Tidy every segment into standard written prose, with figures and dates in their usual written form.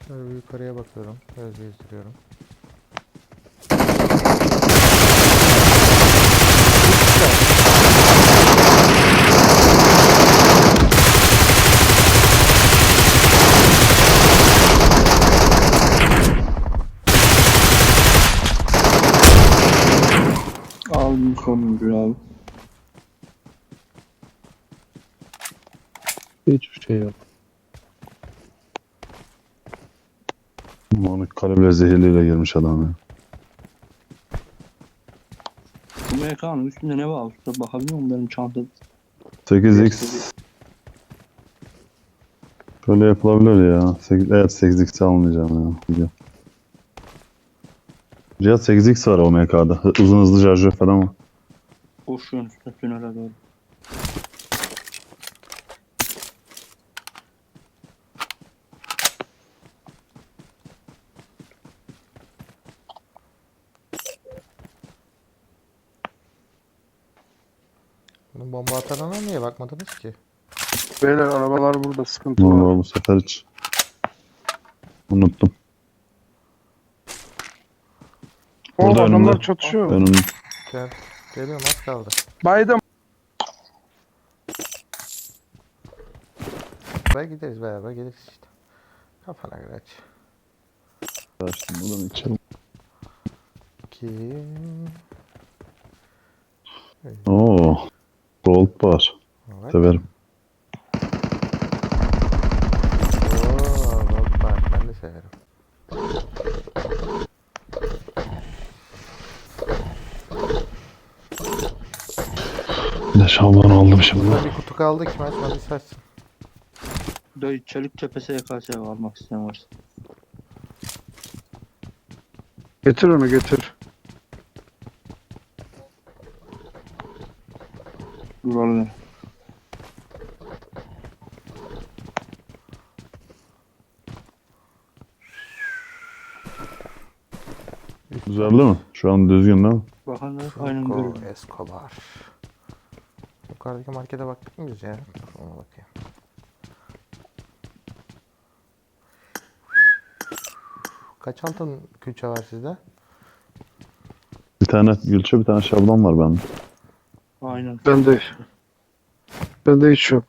Şöyle bir yukarıya bakıyorum. Göz gezdiriyorum. Aldım sonuncuyu abi. Hiçbir şey yok. Onu kaleble zehirliyle girmiş adam ya. Bu MK'nın üstünde ne var? Usta bakabiliyor musun benim çantada? 8x şöyle yapılabilir ya. 8, evet 8x almayacağım ya. Cihat 8x var o MK'da. Uzun hızlı şarjör falan var. Koşuyorsun üstte tünele doğru. Bunun bomba atarına niye bakmadınız ki? Beyler arabalar burada, sıkıntı Vallahi var. bu sefer hiç unuttum. O Burada adamlar önümde. çatışıyor. Önümde. Gel. Geliyorum, az kaldı. Baydım. Beraber gideriz, beraber geliriz işte. Kafana göre aç. Açtım buradan içerim. 2. Oo. Gold bar. Evet. Severim. Oo, bak ben de severim. Ne şamdan aldım şimdi. Burada bir kutu kaldı, kim açmadıysa açsın. Dayı çelik tepe SKS almak isteyen varsa. Getir onu, getir. Buralı. Güzel değil mi? Şu an düzgün değil mi? Bakan da aynen böyle. Franco Escobar. Yukarıdaki markete baktık mı biz ya? Dur, ona bakayım. Kaç altın külçe var sizde? Bir tane gülçe, bir tane şablon var bende. Aynen. Bende hiç yok.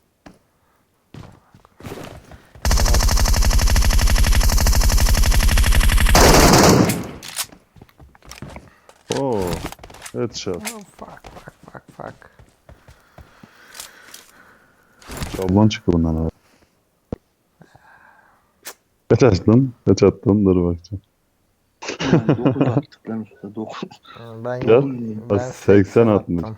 Oo. Evet şab. Oh, fuck. Şablon çıktı bundan abi. Kaç açtın? Kaç attın? Dur bakacağım. Yani 9 attık lan usta 9. Ben, Gel. ben 80 atmış. attım.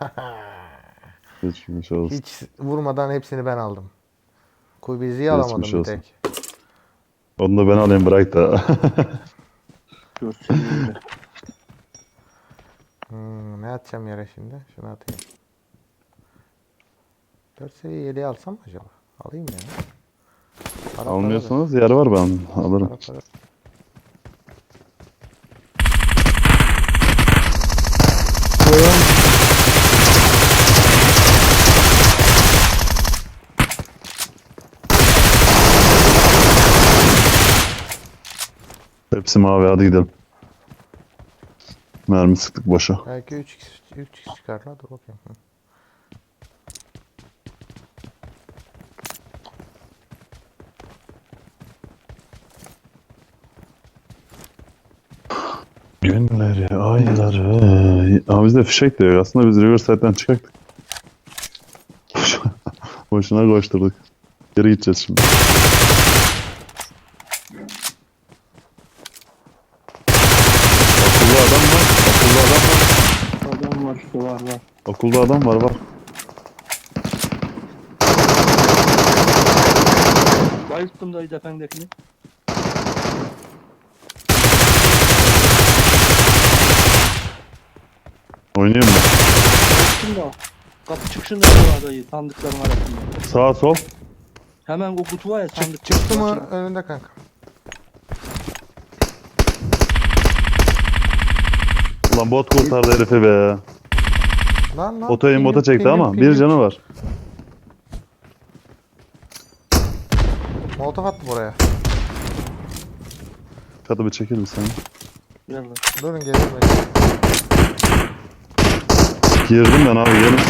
Geçmiş olsun. Hiç vurmadan hepsini ben aldım. Kuybizi'yi Geçmiş alamadım bir olsun. tek. Onu da ben alayım bırak da. 4 seviyeyle. Ne atacağım yere şimdi? Şunu atayım. 4 seviye 7'yi alsam mı acaba? Alayım ya. Para Almıyorsanız yer var ben alırım. para. Hepsi mavi, hadi gidelim. Mermi sıktık boşa. Belki 3x çıkar la, dur bakayım. Hı. Günleri, ayları. Ama bizde fişek de yok. Aslında biz Riverside'den çıkacaktık. Boşuna koşturduk. Geri gideceğiz şimdi. Okulda adam var. Okulda adam var. Adam var işte var. Okulda adam var bak. Bayılttım dayı defendekini. Oynuyor mu? Bayılttım da. Kapı çıkışında da var dayı sandıkların arasında. Sağ sol. Hemen o kutu var ya sandık. Çıktı mı başında. önünde kanka? Ulan bot kurtardı herifi be. Lan Otoyu mota çekti ama bir canı var. Molotof attım oraya. katı bir çekil bir sen. Yallah. Durun geliyorum ben. Girdim ben abi gelin.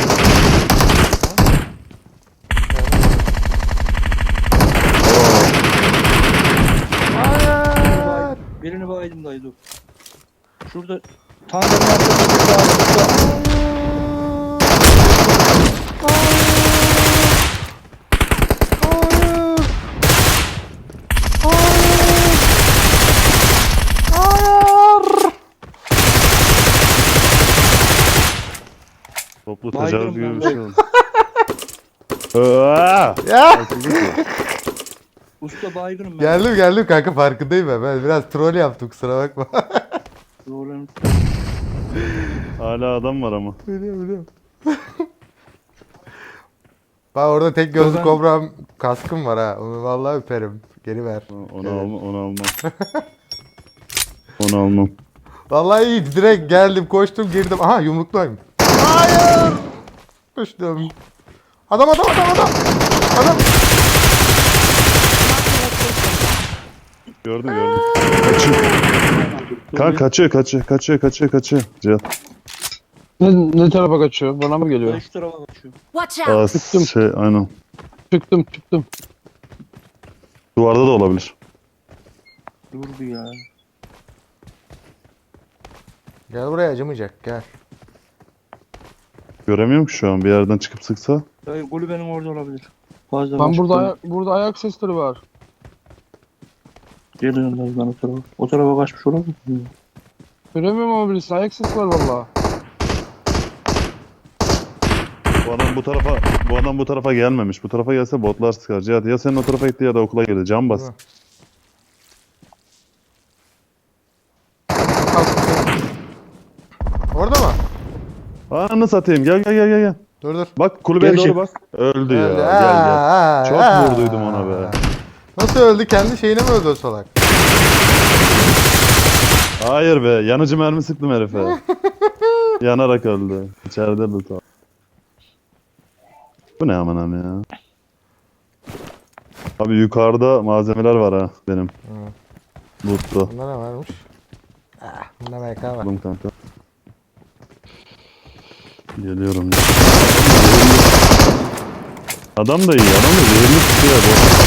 Hayır. Birini baydım dayı dur. Şurada tandırın arkasında bir daha. Toplu Baygınım tecavüz gibi ben bir şey oldu. Aa! Ya. Usta baygınım ben. Geldim kanka, farkındayım ben. Ben biraz troll yaptım, kusura bakma. Doğru. Hala adam var ama. Biliyorum. Bak orada tek gözlü Ben- kobram kaskım var ha. Onu vallahi öperim. Geri ver. Onu almam, onu almam. Onu almam. Vallahi iyi. Direkt geldim, koştum, girdim. Aha, yumruktayım. Hayır. Düştüm. Adam. Adam. Gördüm. Kaçıyor. Kanka kaçıyor. Cihat. Ne tarafa kaçıyor? Bana mı Dayı geliyor? şu tarafa kaçıyor. Watch Aa, out! Çıktım. aynen. Çıktım. Duvarda da olabilir. Dur bir ya. Gel buraya, acımayacak, gel. Göremiyorum ki şu an. Bir yerden çıkıp sıksa. Dayı golü benim orada olabilir. Fazla Ben başka- burada ayak sesleri var. Geliyorum dayı ben o tarafa. O tarafa kaçmış olabilir mi? Göremiyorum ama birisi. Ayak sesi var valla. Bu adam bu tarafa gelmemiş. Bu tarafa gelse botlar sıkar. Cihat ya senin o tarafa gitti ya da okula girdi. Can bas. Değil mi? Orada mı? Ananı satayım. Gel. Dur. Bak kulübeye Gel doğru şey- bak. Öldü ya. Öldü. Gel. Çok Aa. vurduydum ona be. Nasıl öldü? Kendi şeyine mi öldü o salak? Hayır be. Yanıcı mermi sıktım herife. Yanarak öldü. İçeride de tam. Bu ne aman ya. Abi yukarıda malzemeler var ha benim. Loot'ta. Bunda ne varmış? Bunda MK var. Aldım kanka. Geliyorum ya. Adam da iyi. Adam da zehirli tutuyor bu.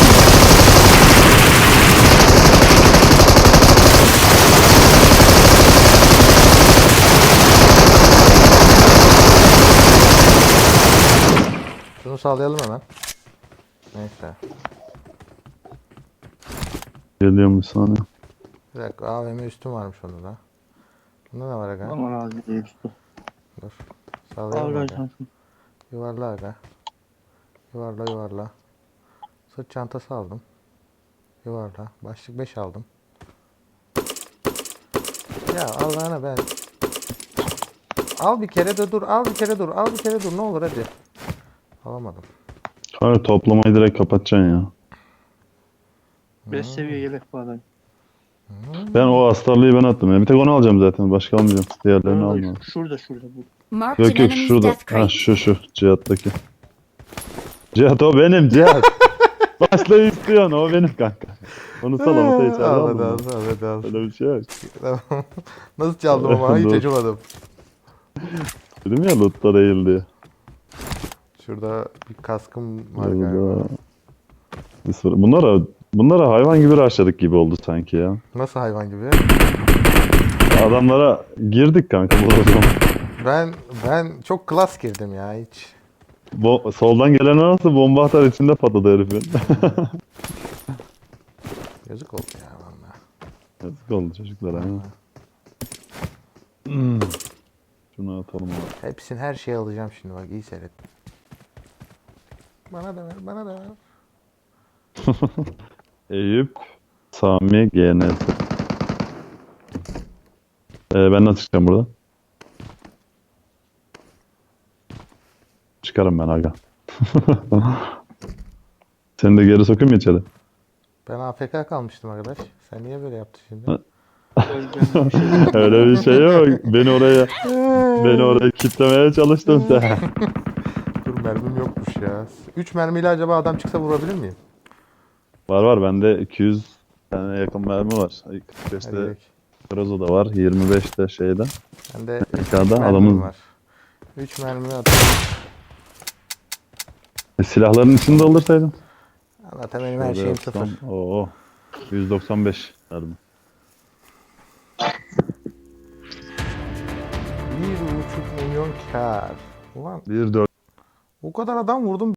Şunu sağlayalım hemen. Neyse. Geliyorum bir saniye. Bir dakika, AVM üstüm varmış onda da. Bunda ne var aga? Aman ağzı değil usta. Dur. Al Sağlayalım gel aga. sen şunu. Yuvarla aga. Yuvarla. Sırt çantası aldım. Yuvarla. Başlık 5 aldım. Ya Allah'ına ben. Al bir kere de dur. Al bir kere dur. Ne olur hadi. Alamadım. Kanka toplamayı direkt kapatacaksın ya. 5 seviye yelek var dayı. Ben o astarlıyı ben attım ya. Bir tek onu alacağım zaten. Başka almayacağım. Diğerlerini almıyorum. Şurada bu. Marked an Yok enemy's şurada. death Ha crate. şu Cihat'taki. Cihat o benim Cihat. Başla istiyorsun o benim kanka. Onu salamata içeride Ahmet aldım. Ahmet Öyle bir şey yok. Nasıl çaldım ama hiç Dur. acımadım. Dedim ya loot'ta değil diye. Şurada bir kaskım var galiba. Burada. Bunlara hayvan gibi rushladık gibi oldu sanki ya. Nasıl hayvan gibi? Adamlara girdik kanka bu zaman. Ben çok klas girdim ya hiç. Soldan gelen nasıl bomba atar içinde patladı herifin. Yazık oldu ya valla. Yazık oldu çocuklara ha. Şunu atalım abi. Hepsini, her şeyi alacağım şimdi, bak iyi seyret. Bana da ver. Eyüp, Sami, GNS. Ben nasıl çıkacağım burada? Çıkarım ben aga. Seni de geri sokayım mı içeri? Ben AFK kalmıştım arkadaş. Sen niye böyle yaptın şimdi? Öleceğim bir şey. Öyle bir şey yok. Beni oraya kitlemeye çalıştın sen. Dur, mermim yokmuş ya. 3 mermiyle acaba adam çıksa vurabilir miyim? Var bende 200 tane yakın mermi var. 45'te Hadi Grozo'da var. 25'te şeyde. bende Ekada mermim adamın var. 3 mermi atıyorum. silahların içinde olursaydın. Zaten benim her şeyim sıfır. Oo. 195 mermi. 1,5 milyon kar. Ulan 1.4 o kadar adam vurdum.